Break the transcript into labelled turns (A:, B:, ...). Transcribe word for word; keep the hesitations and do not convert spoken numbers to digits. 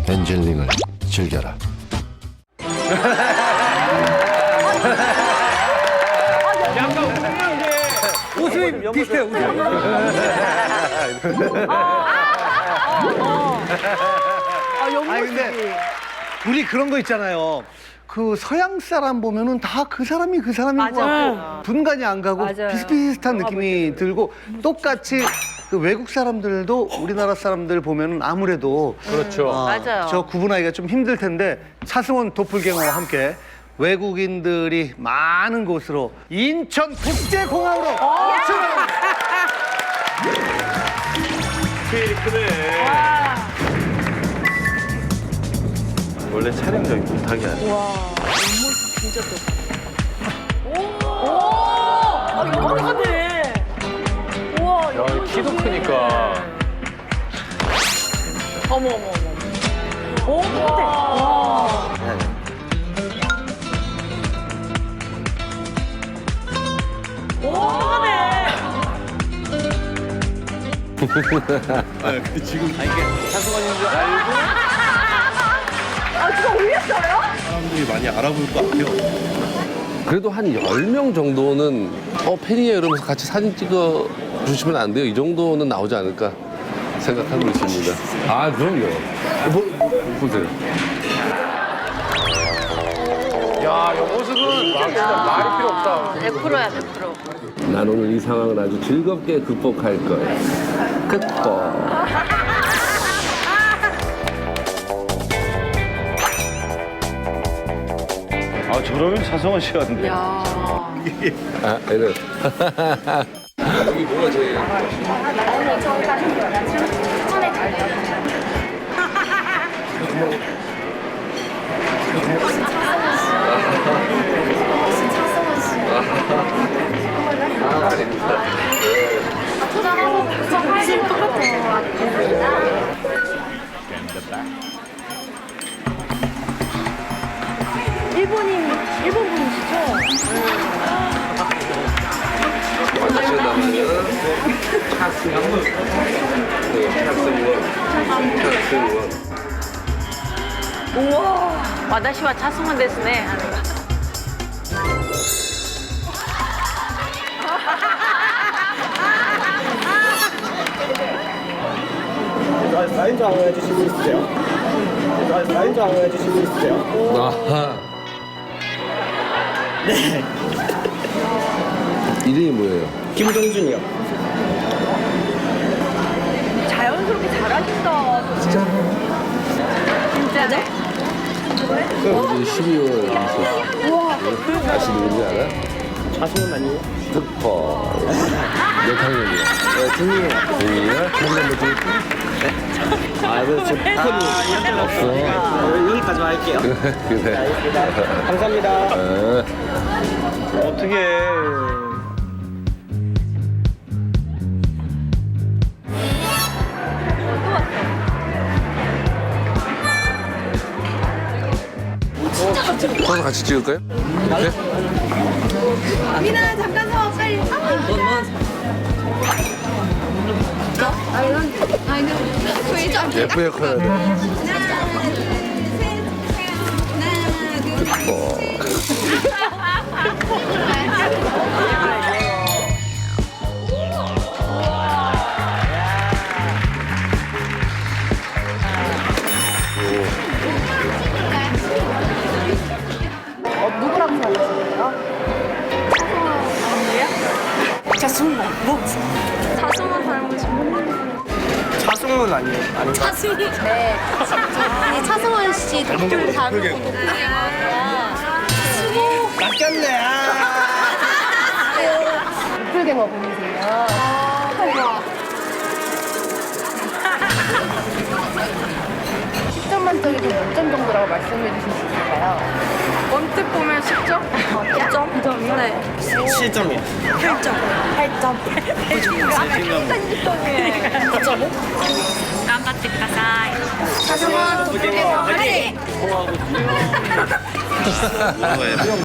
A: 엔젤링을 즐겨라.
B: 웃음이 비슷해, 웃음이. 아니, 근데 우리 그런 거 있잖아요. 그 서양 사람 보면은 다 그 사람이 그 사람인 것 같고 분간이 안 가고
C: 맞아요.
B: 비슷비슷한 느낌이 들고 똑같이 그 외국 사람들도 우리나라 사람들 보면은 아무래도
D: 그렇죠.
B: 어,
C: 맞아요.
B: 저 구분하기가 좀 힘들 텐데 차승원 도플갱어와 함께 외국인들이 많은 곳으로 인천 국제공항으로 출발합니다.
D: 스케일이 크네. 원래 촬영장이 못하게 하네.
C: 와, 옆모습 진짜 또. 오! 오! 아, 영화네. 우와,
D: 야,
C: 옆모습이.
D: 키도 크니까.
C: 어머, 어머, 어머. 오, 똑같아. 와. 오, 똑같네.
D: 차승원인 줄 알고
C: 아, 진짜 올렸어요?
D: 사람들이 많이 알아볼 것 같아요.
E: 그래도 한 열 명 정도는 어 팬이에요 이러면서 같이 사진 찍어 주시면 안 돼요? 이 정도는 나오지 않을까 생각하고 있습니다. 아 그럼요. 뭐, 보세요.
D: 야, 이 모습은 막 진짜 말이 필요 없다.
C: 백 퍼센트야, 백 퍼센트.
E: 난 오늘 이 상황을 아주 즐겁게 극복할 거야. 극복.
D: 아, 저러면 차승원 씨 같은데.
C: 야.
E: 아 이래. 여기 뭐가 제일 아 아닙니다.
C: 일본인, 일본 분이시죠?
E: 마다시다는 차승원. 네, 차승원. 차승원.
C: 우와. 와다시와 차승원 데스네.
F: 사인도 한번 해주실 수 있으세요? 사인도 한번 해주실 수 있으세요?
E: 아하. 네. 이름이 뭐예요?
F: 김동준이요.
C: 자연스럽게 잘하신다. 진짜. 진짜네?
E: 여기 십이월 우와. 다시 누군지 알아?
F: 자승은 아니에요?
E: 특퍼. 몇 학년이야? 네, 중이에요. 중이야? 한번 더
F: 아, 이거 지금 폰이
E: 없어.
F: 여기까지만 할게요.
E: 그래.
F: 감사합니다.
E: 어.
D: 어떻게 해.
E: 서서 같이 찍을까요? 네?
G: 미나 잠깐 서 빨리. 아 이런 아 이런 소리 좀.
E: 예쁘게 커야 돼.
G: 하나 둘셋 하나 둘.
E: 어.
G: 자승원 닮으신 분.
F: 자승은 아니에요. 아니,
G: 자승원. 네. 이 차승원 씨 좀 다른 분이야.
F: 낚였네. 아.
G: 도플갱어 분이세요. 아, 대박. 십 점 만점에 몇 점 정도라고 말씀해 주실 수 있을까요?
C: 언뜻 보면 십 점? 십 점? 십 점이요? 네.
F: 칠 점이요.
C: 팔 점. 팔 점. 팔 점. 팔 점. 깜빡ってください.
G: 자승원 도플갱어 화이팅!